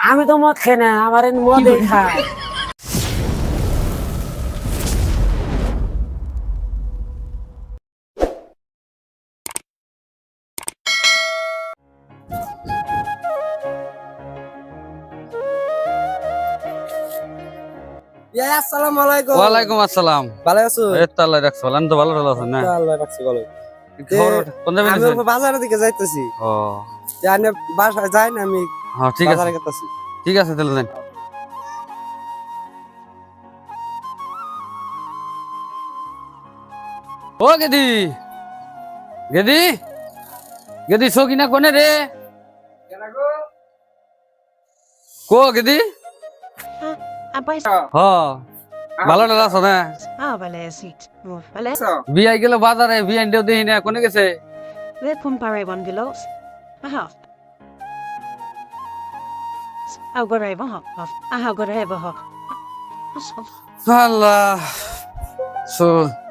আমি তো মদ খাই না, আমার মদই খাই। আসসালামু আলাইকুম। ওয়ালাইকুম আসসালাম। ভালো আছো? এই তো আল্লাহ রাখছে ভালো। আমি তো ভালো আছেন না? আল্লাহ রাখছি ভালো। খবর কোন যাবেন? আমি বাজারের দিকে যাইতেছি। ও জানি বাসায় যাই না, আমি হ্যাঁ ঠিক আছে, বাজারে গেতেছি। ঠিক আছে তাহলে যান। ও গেদি গেদি গেদি সকিনা কোনে রে? কো গেদি? Apa itu? হ ভালো আছো না? Ah, boleh sih. Boleh. বিয়াই গেল বাজারে, বিয়াই দেও দেখি না কোনে গেছে? Lihat pun pakai one gelos. Aha. Aku berai bahak. Aha, berai bahak. Allah সো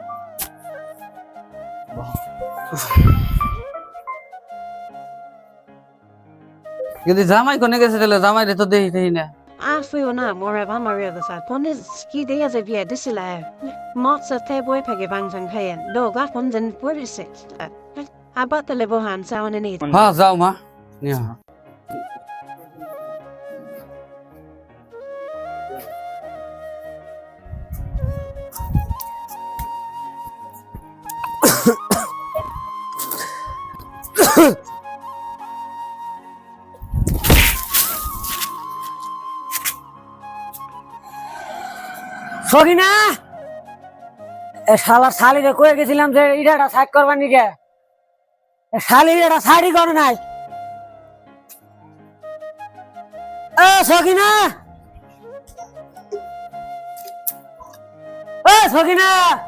গেদি জামাই কোনে গেছে তাহলে? জামাই রে তো দেখি না। Ah, fui ona, morai bah Maria the side. Pun is ski dia je via disila. Mat sa te boy pakai bang jang kayan. Do gak pun jen puri sih. Apa tu lebohan sawan ini? হ্যাঁ যাও মা নিয়ে আও। সকিনা, এ শালার শালিরে কয়ে গেছিলাম যে ইডাটা side করবার নিকে, শালির এটা সাইডই করে নাই। এ সকিনা, এ Sakina,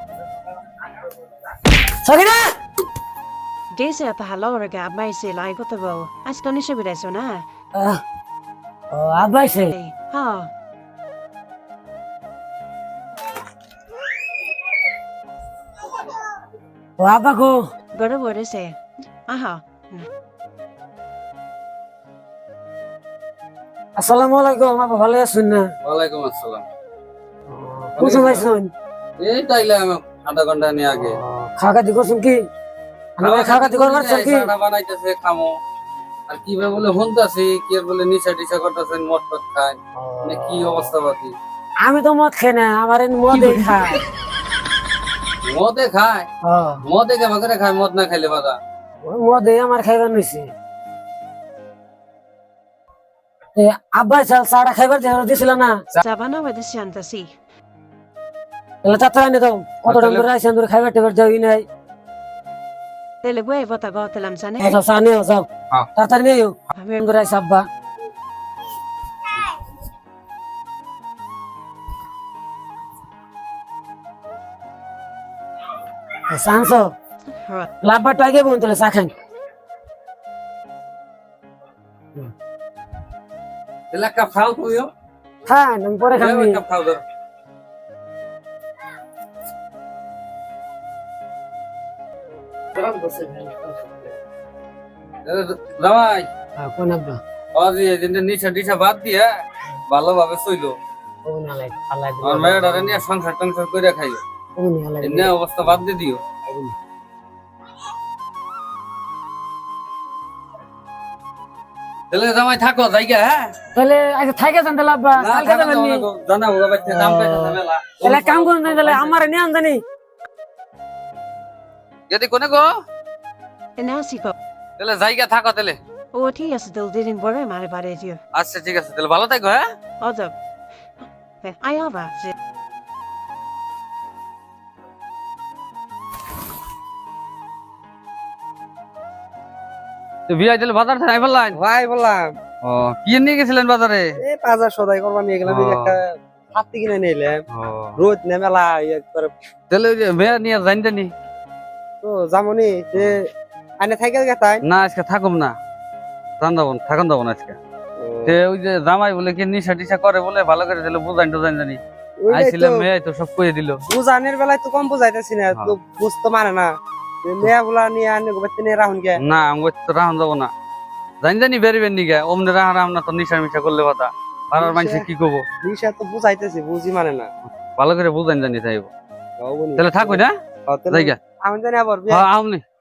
Sakina. Desa apa halau raga abai se lai ko tu bau. Askoni se bida so na. ও আব্বাইছে। Ha. ও আব্বা গো। Gora bore se. Aha. আসসালামু আলাইকুম। আব্বা ভালো আছেন না? ওয়ালাইকুম আসসালাম। কোন সময় আছেন? এই তাইলাম আধা ঘন্টা নিয়ে আগে। খাওয়া করছেন কি? খাওয়া করবার কি? চাটা বানাইতেছে খামো। আর কি ভাবে বলে হুনতাছি, কি আর বলে নিশা টিশা করতেছেন, মদ টদ খায়। মানে কি অবস্থা বাকি? আমি তো মদ খাই না, আমার মদই খাই। মদে খায়? মদে কে বাগরে খায়, মদ না খাইলে বাদা? মদে আমার খাইবার নিছে। আব্বাই চাটা খাইবার দিছিল না? Sabana wa desianta si. তাহলে তাড়াতাড়ি এনে দাও। কত টাইম ধরে আইছেন, ধরে খাইবার টেবার যাওই নাই। Tele boy vota go telam sana. যাও চা নিয়ে যাও, হ্যাঁ। তাড়াতাড়ি নিয়ে ধরে আইসা আব্বা। সানসো লাভবার টাইগে বোন তাহলে চা খান। তাহলে এক কাপ খাও তুইও। খান, আমি পরে খাবি। এক কাপ খাও ধর। জামাই কোন আব্বা? আজি এজেন্টে নিশা টিশা বাদ দিয়ে ভালোভাবে চইলো। কোন আলাই আল্লাহ দিও। আর মেয়েটারে নিয়ে সংসার টংসার করে খাইও। কোন আলাই এমনি অবস্থা বাদ দিয়ে দিও। তাহলে জামাই থাকো জায়গা। হ্যাঁ তাহলে আচ্ছা থাকে যান তাহলে আব্বা, কালকে যাবেন নি? জানাবো বাচ্চা কাম পাইছে মেলা। তাহলে কাম করুন না, তাহলে আমার নিয়ে আনজানি। যদি কোনে গো Nasi ko. তাহলে জায়গা থাকো তাহলে। Oh, ঠিক আছে তো দিন পরে মারে পারে দিও। আচ্ছা ঠিক আছে তাহলে ভালো থাকো। হ্যাঁ অজব। আয়াবা যে তো বিয়াই দিলে বাজার থেকে ফেললেন? ভাই বললাম, ও কি নিয়ে গেছিলেন বাজারে? এই বাজার সদাই করবা নিয়ে গেলাম, এই একটা হাতি কিনে নিলাম। রোদ নে মেলা একবার তাহলে ওই যে মেয়ে নিয়ে জানি তো জামনি যে আনে সাইকেল গেতাই না, আজকে থাকুম না, থাকুন যাবো না আজকে। যে ওই যে জামাই বলে কি নিশা টিশা করে বলে ভালো করে দিলে বুঝাইন টুজাইন জানি। আইছিলাম মেয়ে তো সব কয়ে দিল। বুঝানের বেলায় তো কম বুঝাইতেছি না, তো বুঝতে মানে না। মেয়া গুলা নিয়ে আনে গোবাতে নিয়ে রাহুন গে না, আমি তো রাহন যাবো না। জানি বেরিবেন নিকে অমনে রাহারা আমরা তো নিশা মিশা করলে কথা পাড়ার মানুষ কি করবো নিশা তো বুঝাইতেছি বুঝি মানে না ভালো করে বুঝাইন জানি তাইব তাও বলি। তাহলে থাকুই না তাহলে জায়গা আমি জানি আবার হ্যাঁ আমনি